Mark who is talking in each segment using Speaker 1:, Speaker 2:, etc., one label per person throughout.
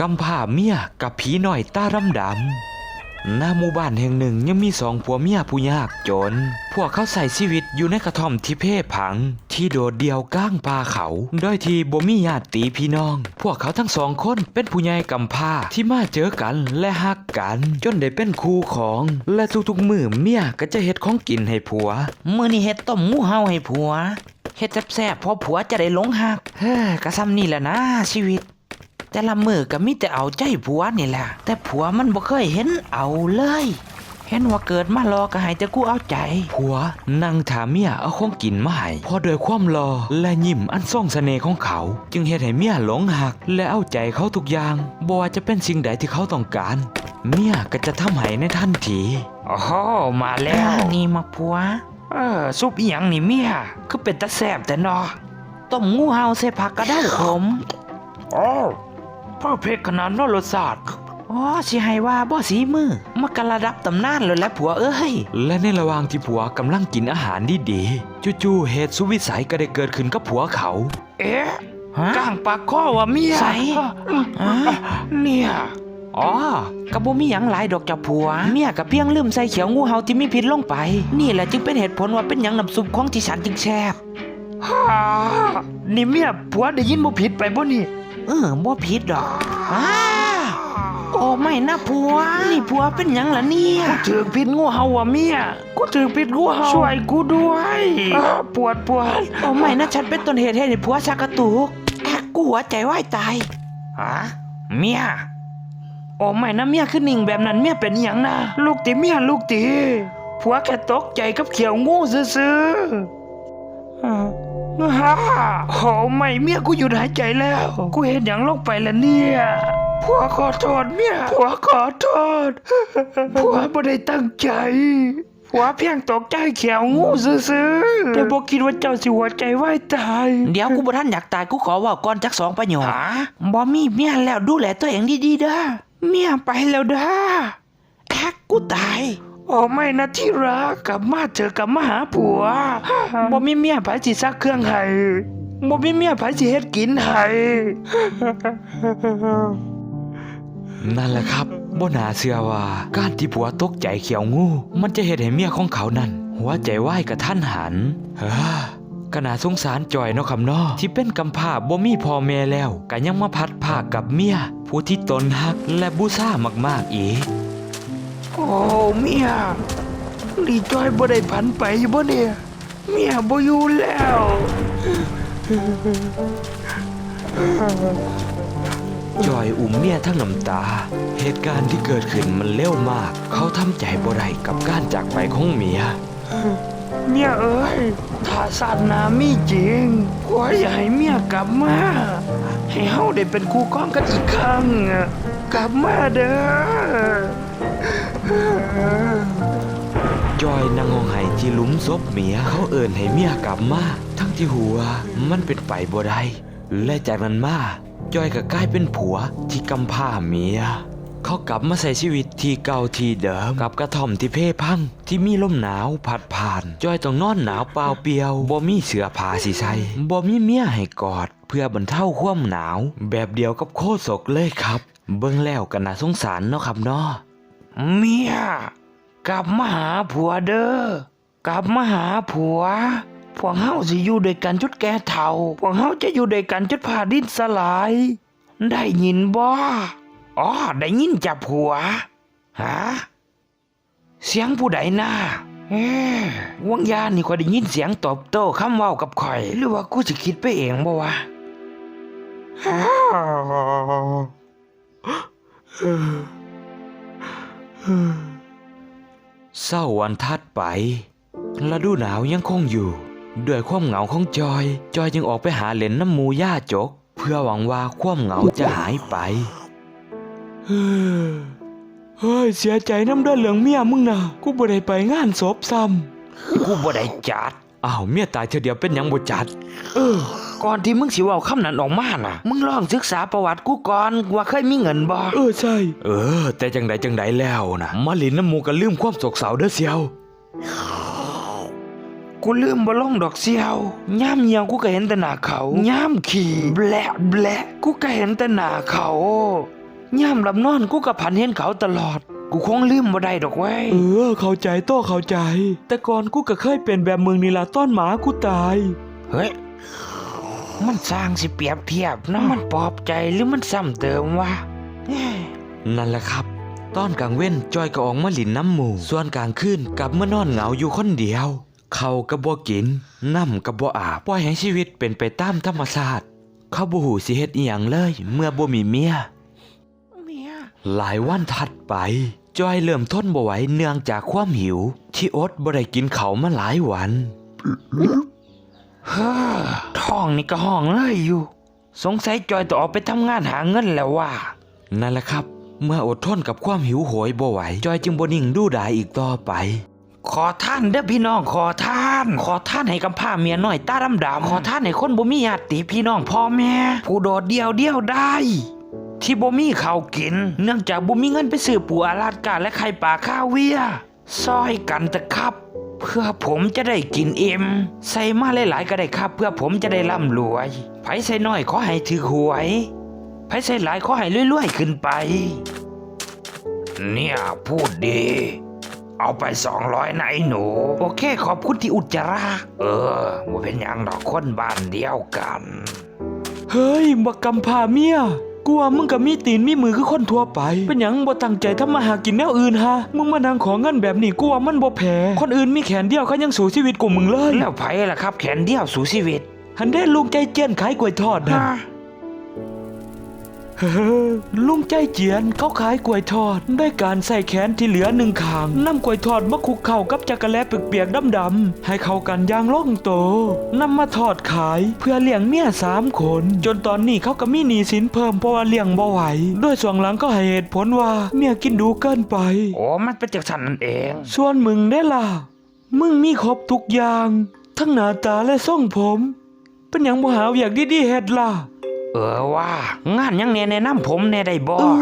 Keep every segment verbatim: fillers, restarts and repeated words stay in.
Speaker 1: กำพร้าเมียกับผีหน่อยตาดำดำณหมู่บ้านแห่งหนึ่งยังมีสองผัวเมียผู้ยากจนพวกเขาใส่ชีวิตอยู่ในกระท่อมที่เพ่ผังที่โดดเดี่ยวก้างป่าเขาโดยที่บ่มีญาติพี่น้องพวกเขาทั้งสองคนเป็นผู้ใหญ่กำพร้าที่มาเจอกันและฮักกันจนได้เป็นคู่ของและทุกๆมื้อเมียก็จะเฮ็ดของกินให้ผัว
Speaker 2: มื้อนี้เฮ็ดต้มหมูเฮาให้ผัวเฮ็ดแซ่บๆพอผัวจะได้หลงฮักเฮ้อกะซ้ำนี่แหละนะชีวิตแต่ละมื้อก็มีแต่เอาใจผัวนี่แหละแต่ผัวมันบ่เคยเห็นเอาเลยเห็นว่าเกิดมารอก็ให้แต่กูเอาใจ
Speaker 1: ผัวนั่งถามเมียเอาของกินมาให้พอด้วยความรอและยิ้มอันทรงเสน่ห์ของเขาจึงเฮ็ดให้เมียหลงหักและเอาใจเขาทุกอย่างบ่ว่าจะเป็นสิ่งใดที่เขาต้องการเมียก็จะทำให้ในทันที
Speaker 2: โอ้โหมาแล้วนี่มาผัวเออซุปอีหยังนี่เมียคือเป็นตาแซ่บแต่นอต้มงูเห่าใส่ผักกระเด้าขมอ๋อเพอร์เฟคขนาดนั้นรสชาติอ๋อสิให้ว่าบ่สีมือมากระดับตำนานเลยแหละผัวเอ้ย
Speaker 1: และในระหว่างที่ผัวกำลังกินอาหารดีๆจู่ๆเหตุสุวิสัยก็ได้เกิดขึ้นกับผัวเขา
Speaker 2: เอ๊ะก้างปากคอว่าเมียใส่เนี่ยอ๋อกะบ่มีหยังหลายดอกจ้ะผัวเมียก็เพียงลืมใส่เขียวงูเห่าที่มีพิษลงไปนี่แหละจึงเป็นเหตุผลว่าเป็นหยังน้ำซุปของที่ฉันจึงแซ่บฮ่านี่เมียผัวได้ยินบ่ผิดไปบ่นี่เออบ่ผิดดอกอ้าโอ้ไม่นะผัวนี่ผัวเป็นหยังล่ะเนี่ยกูถือพิษงูเห่าว่ะเมียกูถือพิษงูเห่าช่วยกูด้วยปวดปวดโอ้ไม่นะฉันเป็นต้นเหตุให้ผัวชักกระตุกแอกกูหัวใจวายตายฮะเมียโอ้ไม่นะเมียคือนิ่งแบบนั้นเมียเป็นหยังนะลูกติเมียลูกติผัวแค่ตกใจกับเขียวงูซื่อๆฮ่าโอ้ไม่เมียกูหยุดหายใจแล้วกูเห็นหยังลงไปแล้วเนี่ยผัวขอโทษเมียผัวขอโทษผัวไม่ได้ตั้งใจผัวเพียงตกใจเขียวงูซื่อๆแต่บอกคิดว่าเจ้าสิหัวใจวายตายเดี๋ยวกูบ่ทันอยากตายกูขอว่าก่อนจักสองประโยคบ่มีเมียแล้วดูแลตัวเองดีๆเด้อเมียไปแล้วเด้อแอ๊กกูตายโอ้ไม่นะที่รักกลับมาเจอกลับมาหาผัวบ่มีเมียไผสิซักเครื่องให้บ่มีเมียไผสิเฮ็ดกินให้
Speaker 1: นั่นแหละครับบ่น่าเชื่อว่าการที่ผัวตกใจเขียวงูมันจะเฮ็ดให้เมียของเขานั้นหัวใจวายกระทันหันเฮ้อก็น่าสงสารจอยเนาะครับเนาะที่เป็นกำพร้าบ่มีพ่อแม่แล้วก็ยังมาพัดภาคกับเมียผู้ที่ตนฮักและบูชามากๆอีก
Speaker 2: โอ้เมียดีจอยบ่ได้ผันไปบ่เนี่ยเมียบ่อยู่แล้ว
Speaker 1: จอยอุ้มเมียทั้งน้ำตาเหตุการณ์ที่เกิดขึ้นมันเร็วมากเขาทำใจบ่ได้กับการจากไปของเมีย
Speaker 2: เมียเอ้ยถ้าศาสนามีจริงขออย่าให้เมียกลับมาให้เฮาได้เป็นคู่ครองกันอีกครั้งกลับมาเด้อ
Speaker 1: จอยนั่งห้องไห้ที่หลุมศพเมียเขาเอิ่นให้เมียกลับมาทั้งที่หัวมันเป็นไปบ่ได้และจากนั้นมาจอยก็กลายเป็นผัวที่กำพร้าเมียเขากลับมาใช้ชีวิตที่เก่าที่เดิมกับกระท่อมที่เพ่พังที่มีลมหนาวพัดผ่านจอยต้องนอนหนาวเปล่าเปียวบ่มีเสื้อผ้าสิใส่บ่มีเมียให้กอดเพื่อบรรเทาความหนาวแบบเดียวกับโคศกเลยครับเบิ่งแล้วก็น่าสงสารเนาะครับเนาะ
Speaker 2: เมียกลับมาหาผัวเด้อกลับมาหาผัวพวกเฮาสิอยู่ด้วยกันจนแก่เฒ่าพวกเฮาจะอยู่ด้วยกันจนผ่าดินสลายได้ยินบ่อ๋อได้ยินจับผัวฮะเสียงผู้ใดน่ะเอ๊ะวังยานี่ก็ได้ยินเสียงตอบโต้คำเว้ากับข่อยหรือว่ากูสิคิดไปเองบ่วะ
Speaker 1: เศร้าวันถัดไปฤดูหนาวยังคงอยู่ด้วยความเหงาของจอยจอยจึงออกไปหาเล่นน้ำหมูย่าจกเพื่อหวังว่าความเหงาจะหายไปเฮ้ยเสียใจน้ำเด้อเหลืองเมียมึงนะกูบ่ได้ไปงานศพซ้
Speaker 2: ำกูบ่ได้จัด
Speaker 1: อ้าวเมียตายเธอเดียวเป็นหยังบ่จัด
Speaker 2: เออก่อนที่มึงสิเว้าคำนั้นออกมาน่ะมึงลองศึกษาประวัติกูก่อนว่าเคยมีเงินบ่
Speaker 1: เออใช่เออแต่จังใดจังใดแล้วนะมาลินน้ำหมูก็ลืมความโศกเศร้าเด้อเสียว
Speaker 2: กูลืมบ่ลงดอกเสียวย่ามเหี่ยวกูก็เห็นแต่หน้าเขาย่ามขี่แบละแบละกูก็เห็นแต่หน้าเขาย่ามหลับนอนกูกับผันเห็นเขาตลอดกูคงลืมบ่ได้ดอกเว้ย
Speaker 3: เออเข้าใจโต้เข้าใจ แต่ก่อนกูก็เคยเป็นแบบมึงนี่ล่ะต้อนหมากูตาย
Speaker 2: เฮ้ยมันสร้างสิเปรียบเทียบนะมันปลอบใจหรือมันซ้ำเติมวะ
Speaker 1: นั่นแหละครับตอนกลางเว้นจอยก็ออกมาหลินน้ำหมู่ส่วนกลางคืนกลับมานอนเหงาอยู่คนเดียวเขาก็บ่กินน้ำก็บ่อาบปล่อยให้ชีวิตเป็นไปตามธรรมชาติเขาบ่ฮู้สิเฮ็ดอีหยังเลยเมื่อบ่มีเมีย
Speaker 2: เมีย
Speaker 1: หลายวันถัดไปจอยเริ่มทนบ่ไหวเนื่องจากความหิว ที่อดบ่ได้กินเขาวมาหลายวัน
Speaker 2: เฮ้อท้องนี่ก็ห้องเลยอยู่ สงสัยจอยต้องออกไปทำงานหาเงินแล้วว่ะ
Speaker 1: นั่นแหละครับ เมื่ออดทนกับความหิวโหยบ่ไหวจอยจึงบ่นิ่งดูดายอีกต่อไป
Speaker 2: ขอท่านเด้อพี่น้องขอท่าน ขอท่านให้กำพร้าเมียน้อยตาดำๆขอท่านให้คนบ่มีญาติพี่น้องพ่อแม่ผู้โดดเดี่ยวเดี่ยวได้ ที่บ่มีข้าวกิน เนื่องจากบ่มีเงินไปซื้อปูอาลาดกาและไข่ปลาข้าวเวียซอยกันเถอะครับ เพื่อผมจะได้กินเอ็มใส่มาหลายๆก็ได้ครับ เพื่อผมจะได้ร่ำรวยไผใส่น้อยขอให้ถือหวยไผใส่หลายขอให้รวยๆขึ้นไป เนี่ยพูดดี เอาไปสองร้อยนะไอ้หนู โอเคขอบคุณที่อุจจาระเออว่าเป็นหยังดอกคนบ้านเดียวกัน
Speaker 3: เฮ้ยบักกำพร้าเมียกูว่ามึงก็มีตีนมีมือคือคนทั่วไปเป็นหยังบ่ตั้งใจทำมาหากินแนวอื่นฮะมึงมานั่งขอเงินแบบนี้กูว่ามันบ่แพ้คนอื่นมีแขนเดียวเขายังสู้ชีวิตกูมึงเลย
Speaker 2: แล้วไผล่ะครับแขนเดียวสู่ชีวิต
Speaker 3: หันได้ลุงใจเจียนขายกล้วยทอดนะ
Speaker 2: ฮะ
Speaker 3: เฮ้อลุงใจเจียนเขาขายกล้วยทอดด้วยการใส่แขนที่เหลือหนึ่งข้างนำกล้วยทอดมาคลุกเข้ากับจักระแลเปียกๆดำๆให้เข้ากันอย่างลงโตนำมาทอดขายเพื่อเลี้ยงเมียสามคนจนตอนนี้เขาก็มีหนี้สินเพิ่มเพราะว่าเลี้ยงบ่ไหวด้วยส่วนหลังก็ให้เหตุผลว่าเมียกินดูเกินไป
Speaker 2: โอ้มันเป็นจากสันนั่นเอง
Speaker 3: ส่วนมึงได้ล่ะมึงมีครบทุกอย่างทั้งหน้าตาและทรงผม เป็นหยังบ่หาอยากดีๆเฮ็ดล่ะ
Speaker 2: เออว่างานยังแน่แนะนำผมแน่ได้บ่
Speaker 3: เออ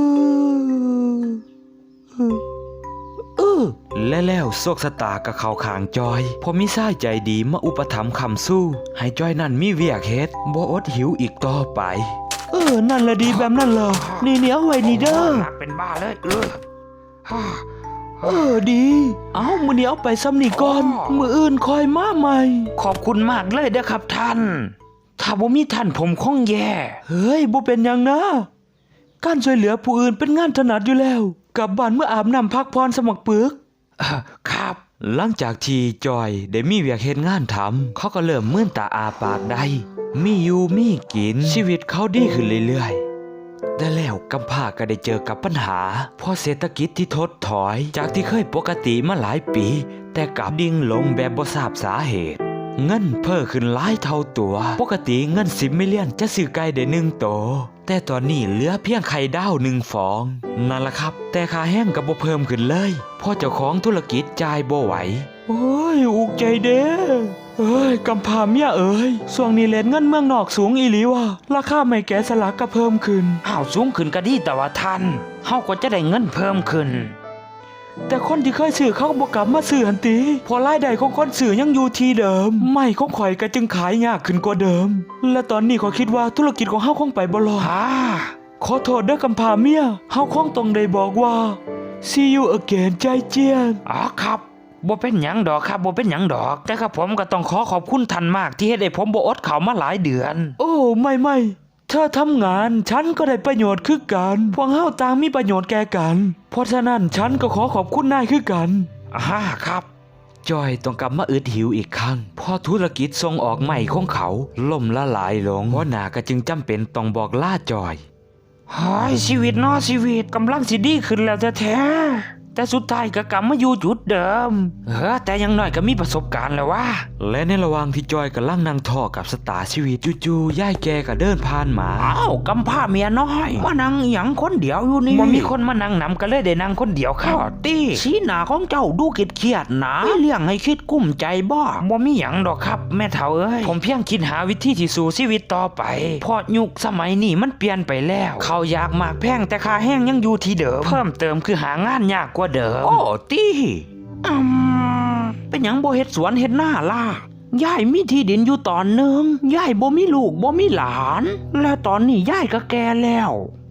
Speaker 3: เออเออ
Speaker 1: และแล้วโชคชะตากับเขาขางจอยพอมีชายใจดีมาอุปถัมภ์คำสู้ ให้จอยนั่นมีเวียกเฮ็ดบ่อดหิวอีกต่อไป
Speaker 3: เออ นั่นละดีแบบนั่นละนี่เนี่ยเอาไว้นี่เด้อ
Speaker 2: หนักเป็นบ้าเลยเออฮ่า
Speaker 3: เออดี เอามือนี้เอาไปซ้ำนี่ก่อน มืออื่นคอยมาใหม่
Speaker 2: ขอบคุณมากเลยเด้อครับท่าน ถ้าบ่มีท่านผมคงแย่
Speaker 3: เฮ้ยบ่เป็นหยังนะ การช่วยเหลือผู้อื่นเป็นงานถนัดอยู่แล้ว กลับบ้านเมื่ออาบน้ำพักพรสมัครปึก
Speaker 2: เออครับ
Speaker 1: หลังจากที่จอยได้มีเวียกเฮ็ดงานทำเขาก็เริ่มมื่นตาอาปากได้มีอยู่มีกินชีวิตเขาดีขึ้นเรื่อยๆแต่แล้วกำพร้าก็ได้เจอกับปัญหาเพราะเศรษฐกิจที่ถดถอยจากที่เคยปกติมาหลายปี แต่กลับดิ่งลงแบบบ่ทราบสาเหตุเงินเพิ่มขึ้นหลายเท่าตัวปกติเงินสิบมิลเลียนจะซื้อไก่ได้หนึ่งโตวแต่ตอนนี้เหลือเพียงไข่ดาวหนึ่งฟองนั่นล่ะครับแต่ค่าแห้งก็บ่เพิ่มขึ้นเลยเพราะเจ้าของธุรกิจจ่ายบ่ไหว
Speaker 3: โอ้ยอุกใจเด้เอ้ยกำพร้าเมียเอ้ยช่วงนี้เลทเงินเมืองนอกสูงอีหลีว่ะราคาไม่แกะสลักก็เพิ่มขึ้น
Speaker 2: อ้าวสูงขึ้นก็ดีแต่ว่าท่านเฮาก็จะได้เงินเพิ่มขึ้น
Speaker 3: แต่คนที่เคยซื้อเขาก็บอกกลับมาซื้อหันตีเพอรายได้ของคนซื้อยังอยู่ที่เดิม ไม่ของข่อยก็จึงขายยากขึ้นกว่าเดิม และตอนนี้ขอยคิดว่าธุรกิจของเฮาคงไปบ่รอด
Speaker 2: ฮ่า
Speaker 3: ขอโทษเด้อกำพร้าเมียเฮาคงต้องได้บอกว่า see you again ใจเจียน
Speaker 2: อ๋อครับบ่เป็นหยังดอกครับบ่เป็นหยังดอก แต่ครับผมก็ต้องขอขอบคุณท่านมากที่เฮ็ดให้ผมบ่อดข้าวมาหลายเดือน
Speaker 3: โอ้ไม่ไม่เธอทำงานฉันก็ได้ประโยชน์คือกันพวกเฮาต่างมีประโยชน์แก่กัน เพราะฉะนั้นฉันก็ขอขอบคุณนายคือกัน
Speaker 2: อ่าครับ
Speaker 1: จอยต้องกลับมาอึดหิวอีกครั้งเพราะธุรกิจส่งออกใหม่ของเขาล่มละลายลงหัวหน้าก็จึงจำเป็นต้องบอกลาจอย
Speaker 2: เฮ้ยชีวิตเนอชีวิตกำลังสิดีขึ้นแล้วแท้ๆแต่สุดท้ายก็กลับมาอยู่จุดเดิมเออแต่อยังน้อยก็มีประสบการณ์แล้วว่า
Speaker 1: และในระหว่างที่จอยกำลังนั่งท่อกับสตาร์ชีวิตจู่ๆย่ายแกก็เดินผ่านมา
Speaker 2: อ้าวกำพร้าเมียน้อยมานั่งอหยังคนเดียวอยู่นี่บ่มีคนมานั่งนำก็เลยได้นั่งคนเดียวครับตี้สีหน้าของเจ้าดูเครียดๆนะมีเรื่องให้คิดกุ้มใจบ่บ่มีหยังดอกครับแม่เฒ่าเอ้ยผมเพียงคิดหาวิธีที่สู่ชีวิตต่อไปเพราะยุคสมัยนี้มันเปลี่ยนไปแล้วเขาวอยากมากแพงแต่ค่าแห้งยังอยู่ที่เดิมเพิ่มเติมคือหางานยากกว่าเดิมโอ้ตี้อืมเป็นหยังบ่เฮ็ดสวนเฮ็ดนาล่ะยายมีที่ดินอยู่ตอนหนึงยายบ่มีลูกบ่มีหลาน และตอนนี้ยายก็แก่แล้ว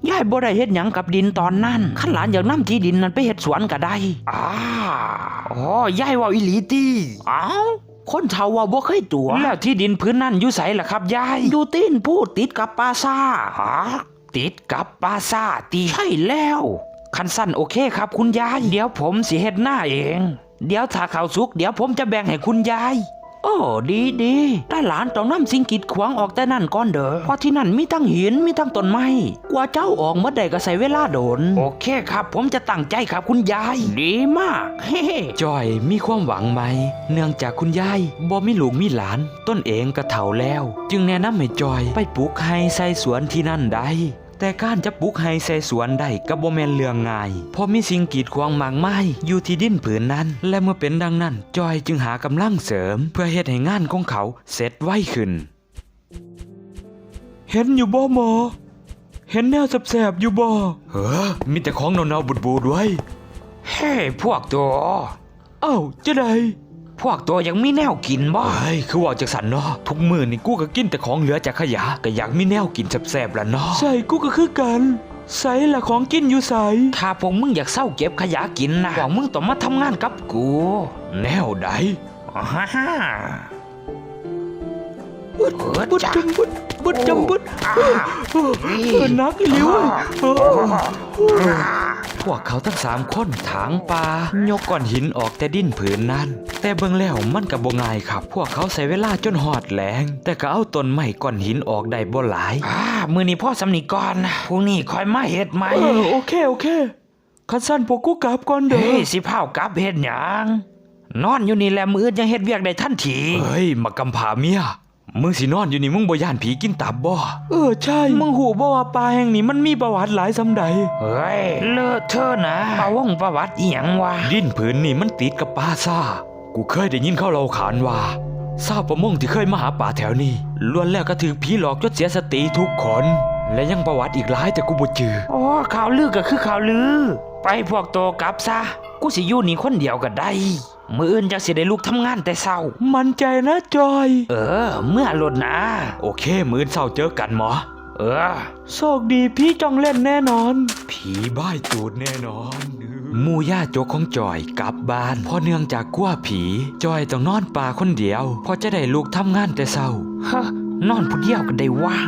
Speaker 2: ยายบ่ได้เฮ็ดหยังกับดินตอนนั้นคันหลานอยากนำที่ดินนั้นไปเฮ็ดสวนก็ได้อ้าอ๋อยายเว้าอีหลีติอ้าวคนเฒ่าว่าบ่เคยตัวแล้วที่ดินพื้นนั้นอยู่ไสล่ะครับยายอยู่ตีนพูดติดกับปราสาทฮะติดกับปราสาทติใช่แล้วคันสั้นโอเคครับคุณยายเดี๋ยวผมสิเฮ็ดหน้าเองเดี๋ยวถ้าข้าวสุกเดี๋ยวผมจะแบ่งให้คุณยายโอ้ดีดีแต่หลานต้องนำสิ่งกีดขวางออกแต่นั่นก่อนเด้อเพราะที่นั่นมีทั้งหินมีทั้งต้นไม้กว่าเจ้าออกเมื่อใดก็ใส่เวลาโดนโอเคครับผมจะตั้งใจครับคุณยายดีมากเฮ้
Speaker 3: จอยมีความหวังไหมเนื่องจากคุณยายบ่มีลูกมีหลานต้นเองก็เฒ่าแล้ว จึงแนะนำให้จอยไปปลูกไฮใส่สวนที่นั่นได้แต่การจะปลูกไฮใส่สวนได้ก็บ่แม่นเรื่องง่ายเพราะมีสิ่งกีดขวางมากมายอยู่ที่ดินผืนนั้นและเมื่อเป็นดังนั้นจอยจึงหากำลังเสริมเพื่อเฮ็ดให้งานของเขาเสร็จไวขึ้นเห็นอยู่บ่หมอเห็นแนวแสบๆอยู่บ่เฮ้อมีแต่ของเนาๆบูดๆไว้
Speaker 2: เฮ้พวกตัว
Speaker 3: เอ้าจะได้
Speaker 2: พวกตัวยังมีแนวกินบ่
Speaker 3: เฮ้ยคือว่าจากสันเนาะทุกมื้อนี่กูก็กินแต่ของเหลือจากขยะก็อยากมีแนวกินแซ่บๆล่ะเนาะใช่กูก็คือกันใส่ละของกินอยู่ใส่
Speaker 2: ถ้าพวกมึงอยากเศร้าเก็บขยะกินนะพวกมึงต้องมาทำงานกับกู
Speaker 3: แนวใด
Speaker 2: ฮ่าฮ่า
Speaker 3: บึดบึดจำบึดบึดจำบึดเออนักอีหลิวเว้ยพวกเขาทั้งสามคนถางป่ายกก้อนหินออกแต่ดินผืนนั้นแต่เบิ่งแล้วมันก็บ่ง่ายครับพวกเขาใช้เวลาจนหอดแหลงแต่ก็เอาต้นไม้ก้อนหินออกได้บ่หลาย
Speaker 2: อ่ามื้อนี้พ่อสำนีก่อนนะพรุ่งนี้ค่อยมาเฮ็ดใหม่
Speaker 3: เออโอเคโอเคคันสั้นพวกกูกลับก่อนเด้
Speaker 2: เฮ้
Speaker 3: อย
Speaker 2: สิพาวกลับเฮ็ดหยังนอนอยู่นี่แหละมื้ออื่นยังเฮ็ดเวียกได้ทันที
Speaker 3: เฮ้ยมากำผาเมียมึงสินอนอยู่นี่มึงบ่ย่านผีกินตับบ่เออใช่มึงหูบ่ว่าป่าแห่งนี้มันมีประวัติหลายสำใด
Speaker 2: เฮ้ยเลอะเทอะนะประวงประวัติอีหยังวะ
Speaker 3: ดินผืนนี่มันติดกับป่าซ่ากูเคยได้ยินเขาเล่าขานว่าชาวประมงที่เคยมาหาป่าแถวนี้ล้วนแล้วก็ถูกผีหลอกจนเสียสติทุกคนและยังประวัติอีกหลายแต่กูบ่จือ
Speaker 2: อ๋อข่าวลือก็คือข่าวลือ ไปพวกโตกลับซะกูสิอยู่นี่คนเดียวก็ได้มื้ออื่นจักสิได้ลุกทำงานแต่เช้า
Speaker 3: มั่นใจนะจอย
Speaker 2: เออ เมื่อลดนะ
Speaker 3: โอเคมื้อเช้าเจอกันหมอ
Speaker 2: เออ
Speaker 3: โชคดีพี่จ้องเล่นแน่นอน ผีบ้ายตูดแน่นอนหมู่ย่าโจกของจอยกลับบ้านเพราะเนื่องจากกลัวผีจอยต้องนอนป่าคนเดียวเพอจะได้ลุกทำงานแต่เช้า
Speaker 2: ฮะนอนผู้เดียวกันได้วะ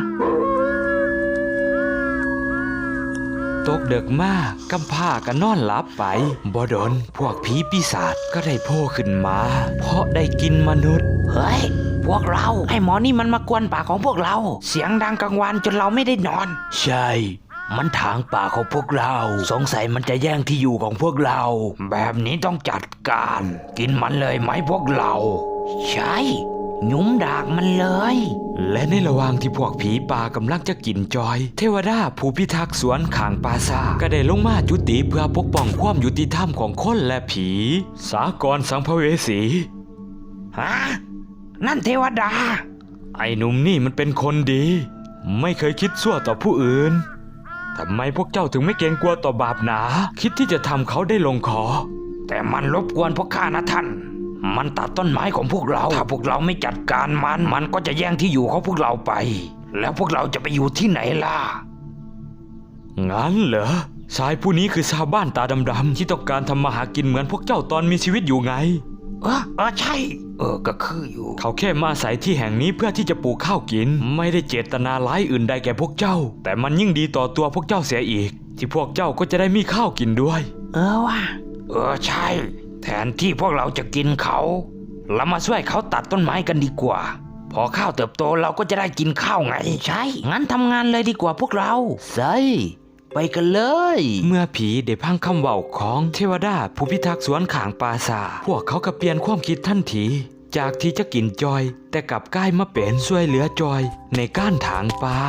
Speaker 3: ตกเดึกมากกำผ้าก็นอนหลับไปบ่ดนพวกผีปีศาจก็ได้โผล่ขึ้นมา เพราะได้กินมนุษย์
Speaker 2: เฮ้ย พวกเราไอ้หมอนี่มันมากวนป่าของพวกเรา เสียงดังกลางวันจนเราไม่ได้นอน
Speaker 3: ใช่ มันถางป่าของพวกเรา สงสัยมันจะแย่งที่อยู่ของพวกเรา
Speaker 2: แบบนี้ต้องจัดการ กินมันเลยไหมพวกเรา ใช่หยุ้มดากมันเลย
Speaker 3: และในระหว่างที่พวกผีป่ากำลังจะกินจอย เทวดาผู้พิทักษ์สวนข้างปราสาทก็ได้ลงมาจุติเพื่อปกป้องความยุติธรรมของคนและผี สากรสังภเวสี
Speaker 2: ฮะ นั่นเทวดา
Speaker 3: ไอ้หนุ่มนี่มันเป็นคนดี ไม่เคยคิดชั่วต่อผู้อื่นทำไมพวกเจ้าถึงไม่เกรงกลัวต่อบาปหนา คิดที่จะทำเขาได้ลงคอ
Speaker 2: แต่มันรบกวนพวกข้านะท่าน มันตัดต้นไม้ของพวกเรา ถ้าพวกเราไม่จัดการมัน มันก็จะแย่งที่อยู่ของพวกเราไป แล้วพวกเราจะไปอยู่ที่ไหนล่ะ
Speaker 3: งั้นเหรอชายผู้นี้คือชาวบ้านตาดำๆที่ต้องการทำมาหากินเหมือนพวกเจ้าตอนมีชีวิตอยู่ไง
Speaker 2: เออเออใช่ เออก็คืออยู่
Speaker 3: เขาแค่มาอาศัยที่แห่งนี้เพื่อที่จะปลูกข้าวกิน ไม่ได้เจตนาร้ายอื่นใดแก่พวกเจ้า แต่มันยิ่งดีต่อตัวพวกเจ้าเสียอีก ที่พวกเจ้าก็จะได้มีข้าวกินด้วย
Speaker 2: เออว่ะเออใช่ แทนที่พวกเราจะกินเขาเรามาช่วยเขาตัดต้นไม้กันดีกว่า พอข้าวเติบโตเราก็จะได้กินข้าวไง ใช่ งั้นทำงานเลยดีกว่าพวกเราใช่ไปกันเลย
Speaker 3: เมื่อผีได้พังคำเว้าของเทวดาผู้พิทักษ์สวนขางปราสาทพวกเขาก็เปลี่ยนความคิดทันที จากที่จะกินจอย แต่กลับกลายมาเป็นช่วยเหลือจอยในการถางป่า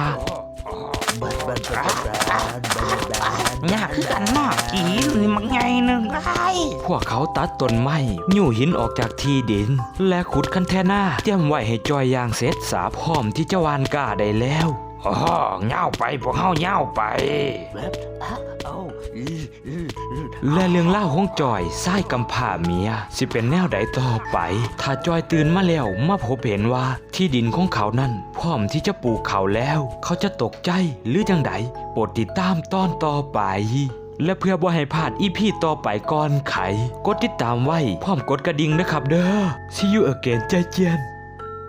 Speaker 2: ยากคือกันมากกีนี่มันไงหนึ่งไอ้
Speaker 3: พวกเขาตัดต้นไม้ยู่หินออกจากที่ดิน และขุดคันแทนาเตรียมไว้ให้จอยยางเสร็จสาพร้อมที่จะวานก้าได้แล้ว
Speaker 2: อ๋อเง่าไปพวกเฮาเง่าไป
Speaker 3: และเรื่องเล่าวของจอยไส้กำพร้าเมียสิเป็นแนวใดต่อไป ถ้าจอยตื่นมาแล้วมาพบเห็นว่าที่ดินของเขานั้นพร้อมที่จะปลูกเขาแล้ว เขาจะตกใจหรือจังใดโปรดติดตามตอนต่อไป และเพื่อบ่ให้พลาดอีพีต่อไปก่อนไขกดติดตามไว้พร้อมกดกระดิ่งนะครับเด้อ See you again ใจเจียน